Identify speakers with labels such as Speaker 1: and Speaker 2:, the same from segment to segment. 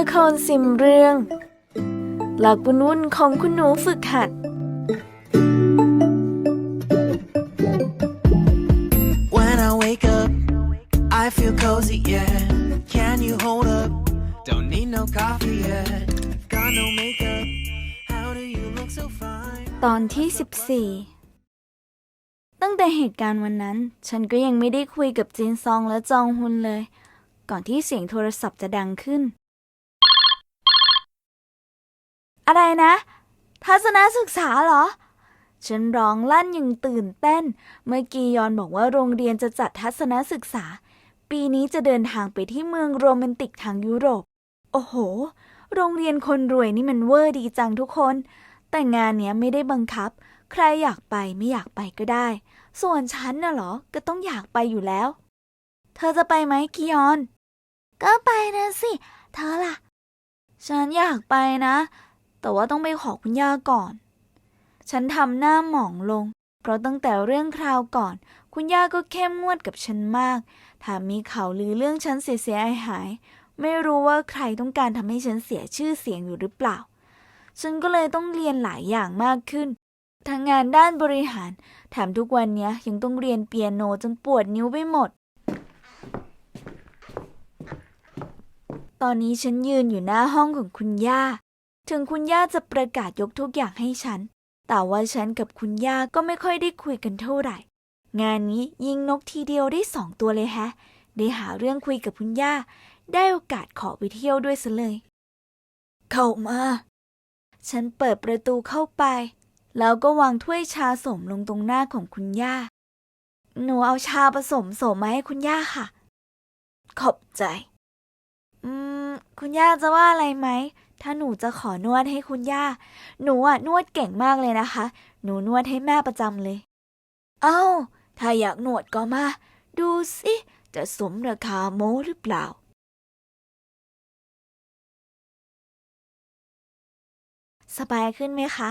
Speaker 1: ครซิมเรื่องหลักวุ่นๆของคุณหนูฝึกหัด
Speaker 2: When I wake up, I feel cozy, yeah. Can you hold up? Don't need no coffee yet. Got no makeup. How do you look so fine?
Speaker 1: ตอนที่14ตั้งแต่เหตุการณ์วันนั้นฉันก็ยังไม่ได้คุยกับจินซองและจองฮุนเลย ก่อนที่เสียงโทรศัพท์จะดังขึ้นอะไรนะทัศนศึกษาเหรอฉันร้องลั่นอย่างตื่นเต้นเมื่อกียอนบอกว่าโรงเรียนจะจัดทัศนศึกษาปีนี้จะเดินทางไปที่เมืองโรแมนติกทางยุโรปโอ้โหโรงเรียนคนรวยนี่มันเวอร์ดีจังทุกคนแต่งานเนี้ยไม่ได้บังคับใครอยากไปไม่อยากไปก็ได้ส่วนฉันน่ะเหรอก็ต้องอยากไปอยู่แล้วเธอจะไปไหมกียอนก็ไปนะสิเธอล่ะฉันอยากไปนะแต่ว่าต้องไปขอคุณย่าก่อนฉันทำหน้าหมองลงเพราะตั้งแต่เรื่องคราวก่อนคุณย่าก็เข้มงวดกับฉันมากถ้ามีข่าวลือเรื่องฉันเสียหายไม่รู้ว่าใครต้องการทำให้ฉันเสียชื่อเสียงอยู่หรือเปล่าฉันก็เลยต้องเรียนหลายอย่างมากขึ้นทั้งงานด้านบริหารแถมทุกวันนี้ยังต้องเรียนเปียโนจนปวดนิ้วไปหมดตอนนี้ฉันยืนอยู่หน้าห้องของคุณย่าถึงคุณย่าจะประกาศยกทุกอย่างให้ฉันแต่ว่าฉันกับคุณย่าก็ไม่ค่อยได้คุยกันเท่าไหร่งานนี้ยิงนกทีเดียวได้2 ตัวเลยแฮะได้หาเรื่องคุยกับคุณย่าได้โอกาสขอไปเที่ยวด้วยซะเลยเข้ามาฉันเปิดประตูเข้าไปแล้วก็วางถ้วยชาสมลงตรงหน้าของคุณย่าหนูเอาชาผสมมาให้คุณย่าค่ะขอบใจคุณย่าจะว่าอะไรไหมถ้าหนูจะขอนวดให้คุณย่าหนูนวดเก่งมากเลยนะคะหนูนวดให้แม่ประจำเลยถ้าอยากนวดก็มาดูสิจะสมราคาโม้หรือเปล่าสบายขึ้นไหมคะ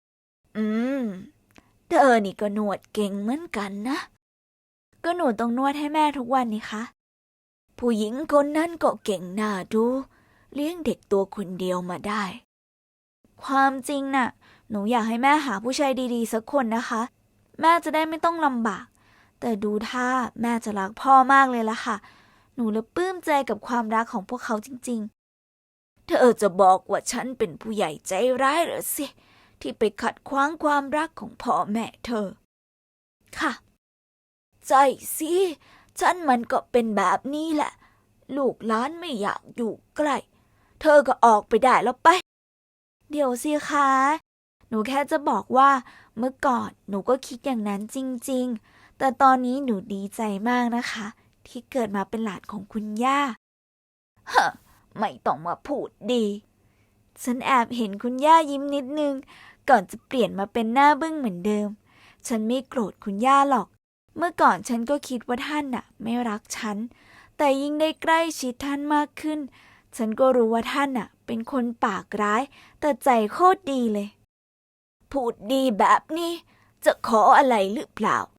Speaker 1: เธอนี่ก็นวดเก่งเหมือนกันนะก็หนูต้องนวดให้แม่ทุกวันนี่คะผู้หญิงคนนั้นก็เก่งน่าดูเลี้ยงเด็กตัวคนเดียวมาได้ความจริงน่ะหนูอยากให้แม่หาผู้ชายดีๆสักคนนะคะแม่จะได้ไม่ต้องลำบากแต่ดูท่าแม่จะรักพ่อมากเลยล่ะค่ะหนูเลยปลื้มใจกับความรักของพวกเขาจริงๆเธอจะบอกว่าฉันเป็นผู้ใหญ่ใจร้ายเหรอสิที่ไปขัดขวางความรักของพ่อแม่เธอค่ะใจสิฉันมันก็เป็นแบบนี้แหละลูกหลานไม่อยากอยู่ใกล้เธอก็ออกไปได้แล้วไปเดี๋ยวสิคะหนูแค่จะบอกว่าเมื่อก่อนหนูก็คิดอย่างนั้นจริงๆแต่ตอนนี้หนูดีใจมากนะคะที่เกิดมาเป็นหลานของคุณย่าไม่ต้องมาพูดดีฉันแอบเห็นคุณย่ายิ้มนิดนึงก่อนจะเปลี่ยนมาเป็นหน้าบึ้งเหมือนเดิมฉันไม่โกรธคุณย่าหรอกเมื่อก่อนฉันก็คิดว่าท่านไม่รักฉันแต่ยิ่งได้ใกล้ชิดท่านมากขึ้นฉันก็รู้ว่าท่านเป็นคนปากร้ายแต่ใจโคตรดีเลยพูดดีแบบนี้จะขออะไรหรือเปล่า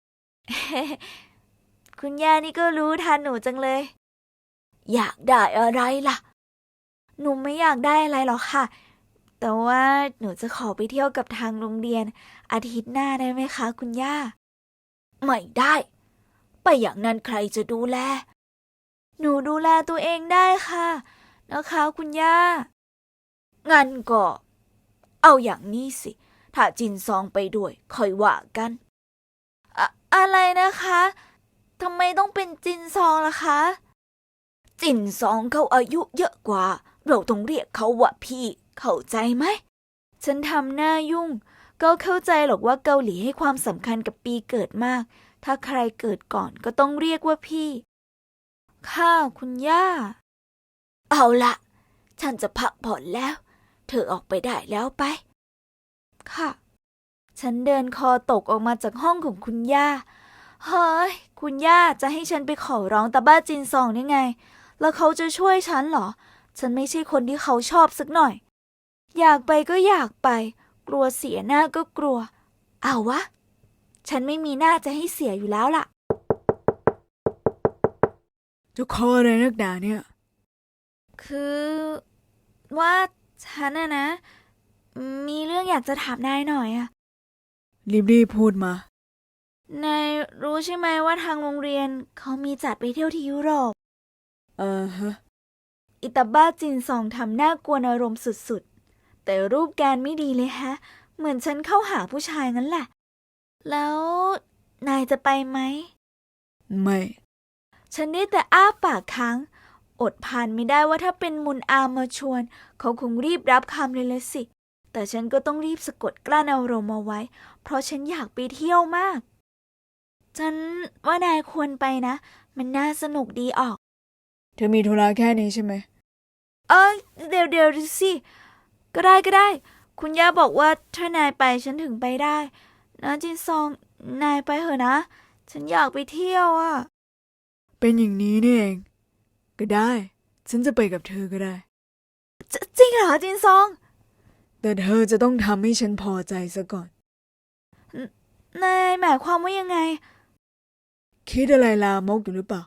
Speaker 1: คุณย่านี่ก็รู้ทันหนูจังเลยอยากได้อะไรล่ะหนูไม่อยากได้อะไรหรอกค่ะแต่ว่าหนูจะขอไปเที่ยวกับทางโรงเรียนอาทิตย์หน้าได้ไหมคะคุณย่าไม่ได้ไปอย่างนั้นใครจะดูแลหนูดูแลตัวเองได้ค่ะนะคะคุณย่างั้นก็เอาอย่างนี้สิถ้าจินซองไปด้วยค่อยว่ากันอะไรนะคะทำไมต้องเป็นจินซองล่ะคะจินซองเขาอายุเยอะกว่าเราต้องเรียกเขาว่าพี่เข้าใจไหมฉันทำหน้ายุ่งก็เข้าใจหรอกว่าเกาหลีให้ความสำคัญกับปีเกิดมากถ้าใครเกิดก่อนก็ต้องเรียกว่าพี่ค่ะคุณย่าเอาละฉันจะพักผ่อนแล้วเธอออกไปได้แล้วไปค่ะฉันเดินคอตกออกมาจากห้องของคุณย่าเฮ้ยคุณย่าจะให้ฉันไปขอร้องตาบ้าจินซองได้ไงแล้วเขาจะช่วยฉันเหรอฉันไม่ใช่คนที่เขาชอบสักหน่อยอยากไปก็อยากไปกลัวเสียหน้าก็กลัวเอาวะฉันไม่มีหน้าจะให้เสียอยู่แล้วล่ะ
Speaker 3: จะขออะไรนักหนาเนี่ย
Speaker 1: คือว่าฉันนะ มีเรื่องอยากจะถามนายหน่อยอะ
Speaker 3: รีบพูดมา
Speaker 1: นายรู้ใช่ไหมว่าทางโรงเรียนเขามีจัดไปเที่ยวที่ยุโรป
Speaker 3: ฮะ
Speaker 1: อิตาบ้าจินซองทำหน้ากวนอารมณ์สุดๆ แต่รูปแกนไม่ดีเลยฮะ เหมือนฉันเข้าหาผู้ชายงั้นแหละ แล้วนายจะไปไหม
Speaker 3: ไม่
Speaker 1: ฉันได้แต่อ้าปากค้าง อดผ่านไม่ได้ว่าถ้าเป็นมุนอามมาชวน เขาคงรีบรับคำเลยละสิ แต่ฉันก็ต้องรีบสะกดกลั้นอารมณ์เอาไว้ เพราะฉันอยากไปเที่ยวมาก ฉันว่านายควรไปนะ มันน่าสนุกดีออก
Speaker 3: เธอมีธุระแค่นี้ใช่ไหม
Speaker 1: เดี๋ยวสิ ก็ได้ คุณย่าบอกว่าถ้านายไปฉันถึงไปได้นะจินซอง นายไปเถอะนะ ฉันอยากไปเที่ยวอ่ะ
Speaker 3: เป็นอย่างนี้นี่เอง ก็ได้ ฉันจะไปกับเธอก็ได้
Speaker 1: จริงเหรอจินซอง
Speaker 3: แต่เธอจะต้องทำให้ฉันพอใจซะก่อน
Speaker 1: นายหมายความว่ายังไง
Speaker 3: คิดอะไรลามกอยู่หรือเปล่า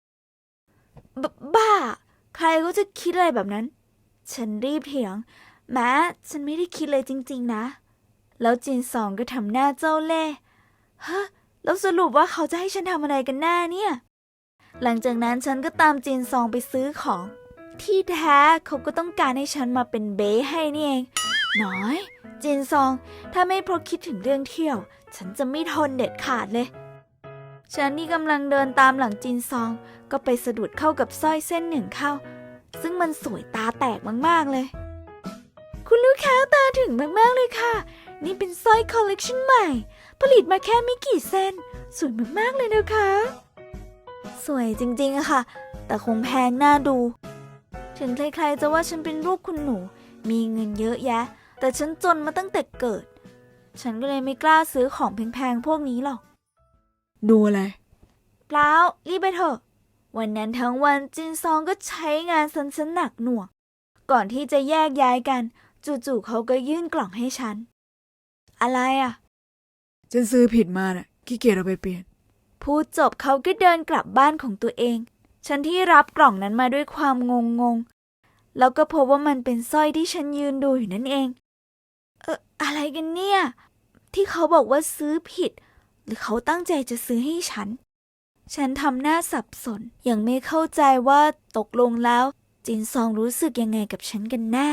Speaker 1: บ้า ใครก็จะคิดอะไรแบบนั้น ฉันรีบเถียง แม้ฉันไม่ได้คิดเลยจริงๆนะ แล้วจินซองก็ทำหน้าเจ้าเล่ห์ฮะ แล้วสรุปว่าเขาจะให้ฉันทำอะไรกันแน่เนี่ย หลังจากนั้นฉันก็ตามจินซองไปซื้อของ ที่แท้เขาก็ต้องการให้ฉันมาเป็นเบ้ให้นี่เอง น้อย จินซอง ถ้าไม่เพราะคิดถึงเรื่องเที่ยว ฉันจะไม่ทนเด็ดขาดเลย ฉันนี่กำลังเดินตามหลังจินซอง ก็ไปสะดุดเข้ากับสร้อยเส้นหนึ่งเข้า ซึ่งมันสวยตาแตกมากๆเลย คุณลูกค้าตาถึงมากๆเลยค่ะ นี่เป็นสร้อยคอลเลกชันใหม่ ผลิตมาแค่ไม่กี่เส้น สวยมากๆเลยนะคะ สวยจริงๆอะค่ะ แต่คงแพงน่าดู ถึงใครๆจะว่าฉันเป็นลูกคุณหนู มีเงินเยอะแยะ แต่ฉันจนมาตั้งแต่เกิด ฉันก็เลยไม่กล้าซื้อของแพงๆพวกนี้หรอก
Speaker 3: ดูอะไร
Speaker 1: เปล่ารีบไปเถอะ วันนั้นทั้งวันจินซองก็ใช้งานฉันหนักหน่วง ก่อนที่จะแยกย้ายกันจู่ๆเขาก็ยื่นกล่องให้ฉัน อะไรอ่ะ
Speaker 3: ฉันซื้อผิดมาน่ะขี้เกียจเอาไปเปลี่ยน
Speaker 1: พูดจบเขาก็เดินกลับบ้านของตัวเอง ฉันที่รับกล่องนั้นมาด้วยความงงแล้วก็พบว่ามันเป็นสร้อยที่ฉันยืนดูอยู่นั่นเอง อะไรกันเนี่ย ที่เขาบอกว่าซื้อผิด หรือเขาตั้งใจจะซื้อให้ฉัน ฉันทำหน้าสับสน ยังไม่เข้าใจว่าตกลงแล้วจินซองรู้สึกยังไงกับฉันกันแน่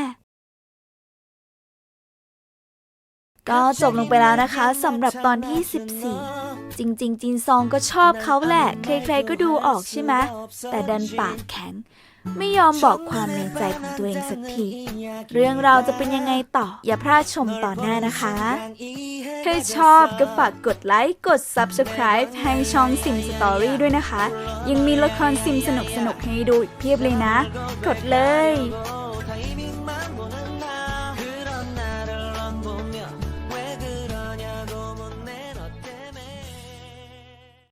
Speaker 1: ก็จบลงไปแล้วนะคะสำหรับตอนที่ 14 จริงๆจินซองก็ชอบเขาแหละ ใครๆก็ดูออกใช่ไหม แต่ดันปากแข็ง ไม่ยอมบอกความในใจของตัวเองสักที เรื่องราวจะเป็นยังไงต่อ อย่าพลาดชมตอนหน้านะคะ ถ้าชอบก็ฝากกดไลค์ กด Subscribe ให้ช่องซิมสตอรี่ด้วยนะคะ ยังมีละครซิมสนุกๆให้ดูอีกเพียบเลยนะ กดเลย